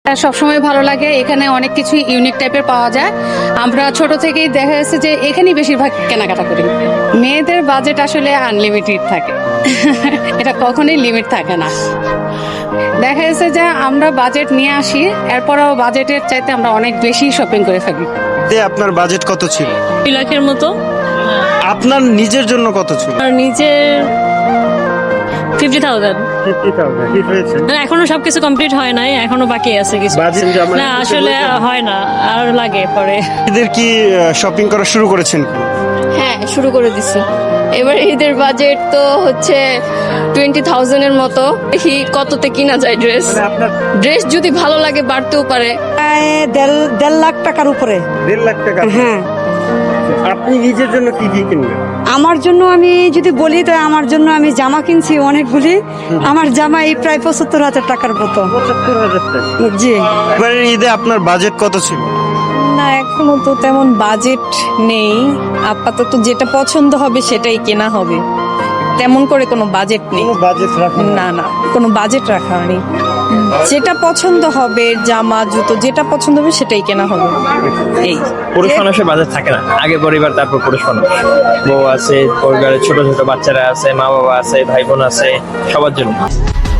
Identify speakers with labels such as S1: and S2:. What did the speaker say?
S1: সবসময় ভালো লাগে। এখানে অনেক কিছু ইউনিক টাইপের পাওয়া যায়। আমরা ছোট থেকেই দেখা যাচ্ছে যে এখানেই বেশিরভাগ কেনাকাটা করি। মেয়েদের বাজেট আসলে আনলিমিটেড থাকে। এটা কখনোই লিমিট থাকে না। দেখা যাচ্ছে যে আমরা বাজেট নিয়ে আসি, এরপরও বাজেটের চাইতে আমরা অনেক বেশি শপিং করে থাকি।
S2: আপনার বাজেট কত ছিল?
S3: 2 লাখের মতো।
S2: আপনার নিজের জন্য কত ছিল?
S3: আর নিজের 50,000।
S2: 50,000 কি হয়েছে?
S3: এখনো সবকিছু কমপ্লিট হয় নাই, এখনো বাকি আছে কিছু।
S2: বাজেট জমা
S3: না আসলে হয় না, আর লাগে পরে।
S2: এদের কি শপিং করা শুরু করেছেন?
S4: হ্যাঁ, শুরু করে দিছি। এবার ঈদের বাজেট তো হচ্ছে 20,000 এর মতো। দেখি কততে কিনা যায় ড্রেস। ড্রেস যদি ভালো লাগে বাড়তেও পারে।
S5: প্রায় দেড় লাখ টাকার উপরে।
S2: 1.5 লাখ টাকা।
S5: হ্যাঁ,
S2: আপনি নিজের জন্য কি কি কিনবেন?
S5: আমার জন্য আমি যদি বলি তো আমার জন্য আমি জামা কিনছি অনেকগুলি। আমার জামা এই প্রায় 75,000 টাকার মতো।
S2: 75,000 টাকা।
S5: জি।
S2: এবারের ঈদে আপনার বাজেট কত ছিল?
S6: না, এখনো তো তেমন বাজেট নেই। আপাতত যেটা পছন্দ হবে সেটাই কেনা হবে। তেমন করে কোনো বাজেট নেই।
S2: কোনো বাজেট রাখুন
S6: না না, কোনো বাজেট রাখা নেই। যেটা পছন্দ হবে, জামা জুতো যেটা পছন্দ হবে সেটাই কেনা হবে। এই
S7: পুরুষ মানুষের বাজার থাকে না, আগে পরিবার তারপর পুরুষ মানুষ। বউ আছে, পরিবারের ছোট ছোট বাচ্চারা আছে, মা বাবা আছে, ভাই বোন আছে, সবার জন্য।